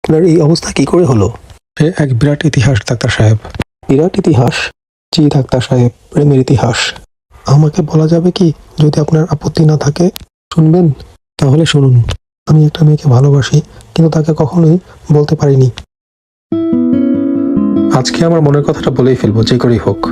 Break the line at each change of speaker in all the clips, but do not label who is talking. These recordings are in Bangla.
আপনার এই অবস্থা কি করে হলো? সে এক বিরাট ইতিহাস ডাক্তার সাহেব। বিরাট ইতিহাস? জি ডাক্তার সাহেব, প্রেমের ইতিহাস। আমাকে বলা যাবে কি, যদি আপনার আপত্তি না থাকে? শুনবেন? তাহলে শুনুন। আমি একটা মেয়েকে ভালোবাসি, কিন্তু তাকে কখনোই বলতে পারিনি। আজকে আমার মনের কথাটা বলেই ফেলবো, যে করেই হোক।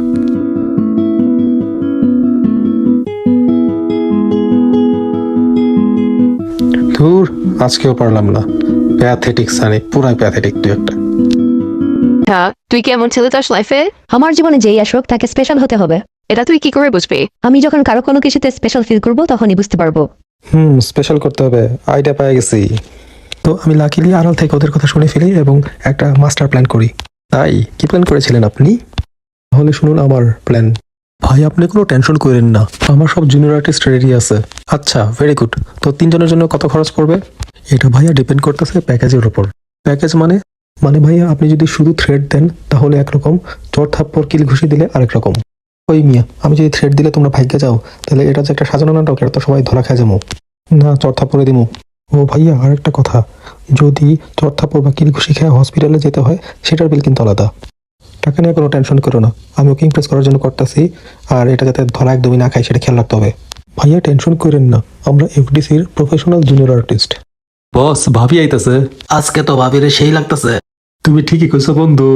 ধুর, আজকেও পারলাম না। প্যাথেটিক সানি, পুরাই প্যাথেটিক তুই একটা।
হ্যাঁ, তুই কি এমন ছেলে চাস লাইফে?
আমার জীবনে যেই আসুক তাকে স্পেশাল হতে হবে।
এটা তুই কি করে বুঝবি?
আমি যখন কারো কোনো কিছুতে স্পেশাল ফিল করবো তখনই বুঝতে পারবো।
স্পেশাল করতে হবে, আইডিয়া পেয়ে গেছি। তো আমি লাকিলি আড়াল থেকে ওদের কথা শুনে ফেলি এবং একটা মাস্টার প্ল্যান করি। তাই কি প্ল্যান করেছিলেন আপনি? তাহলে শুনুন আমার প্ল্যান। ভাই আপনি কোনো টেনশন করেন না, আমার সব জুনিয়র আর্টিস্ট রেডি আছে। আচ্ছা, ভেরি গুড। তো 3 জনের জন্য কত খরচ পড়বে? এটা ভাইয়া ডিপেন্ড করতেছে প্যাকেজের উপর। প্যাকেজ মানে? মানে ভাইয়া আপনি যদি শুধু থ্রেড দেন তাহলে একরকম, চর থাপ্পড় কিল ঘুষি দিলে আরেক রকম। ওই মিয়া, আমি যদি থ্রেড দিলে তোমরা ভাগ্যে যাও, তাহলে এটা যে একটা সাজানো নাটক, এটা তো সবাই ধরা খায় যাবো না, চর থাপ্পড়ে দিমু। ও ভাইয়া, আরেকটা কথা, যদি চর থাপ্পড় বা কিল ঘুষি খেয়ে হসপিটালে যেতে হয়, সেটার বিল কিন্তু আলাদা। টাকা নিয়ে কোনো টেনশন করো না, আমি ওকে ইমপ্রেস করার জন্য করতেছি। আর এটা যাতে ধরা একদমই না খাই, সেটা খেয়াল রাখতে হবে। ভাইয়া টেনশন করেন না, আমরা এফডিসির প্রফেশনাল জুনিয়র আর্টিস্ট।
বস, ভাবি আইতাছে।
আজকে তো ভাবিরে সেই লাগতেছে।
তুমি ঠিকই কইছো বন্ধু।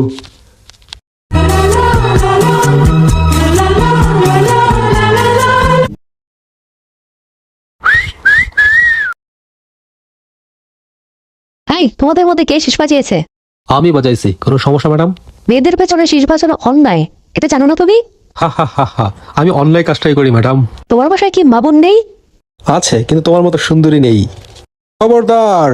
হাই, তোমাদের মধ্যে কে শীষ বাজিয়েছে?
আমি বাজাইছি, কোনো সমস্যা ম্যাডাম?
মেয়েদের পেছনে শীষ বাজানো অন্যায়, এটা জানো না তুমি?
হা হা হা হা, আমি অনলাইন কাজটাই করি ম্যাডাম।
তোমার বাসায় কি মা বোন নেই?
আছে, কিন্তু তোমার মতো সুন্দরী নেই। খবরদার!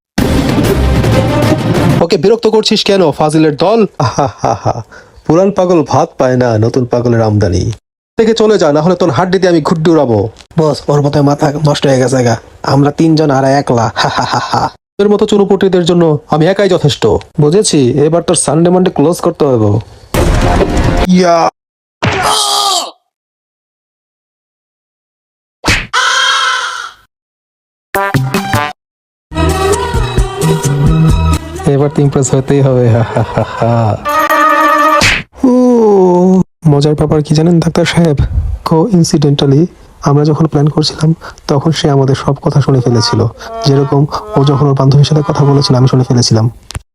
ওকে বিরক্ত করছিস কেন, ফাজিলের দল? আহা, পুরান পাগল ভাত পায় না, নতুন পাগলের আমদানি। থেকে চলে যা, না হলে তোর হাড্ডি দিয়ে আমি ঘুড্ডি উড়াবো।
বস, ওর মতো মাথা নষ্ট হয়ে গেছে গা। আমরা 3 জন আর একলা। হা হা হা হা।
তোর মতো চুনুপুটিদের জন্য আমি একাই যথেষ্ট। বুঝেছি, এবার তোর সানডে মানডে ক্লোজ করতে হবে। ইয়া! এবার তো ইমপ্রেস হতেই হবে। হা হা হা হা। ও, মজার ব্যাপার কি জানেন ডাক্তার সাহেব? ইনসিডেন্টালি আমরা যখন প্ল্যান করছিলাম, তখন সে আমাদের সব কথা শুনে ফেলেছিল। যেরকম ও যখন ওর বান্ধবীর সাথে কথা বলেছিল, আমি শুনে ফেলেছিলাম।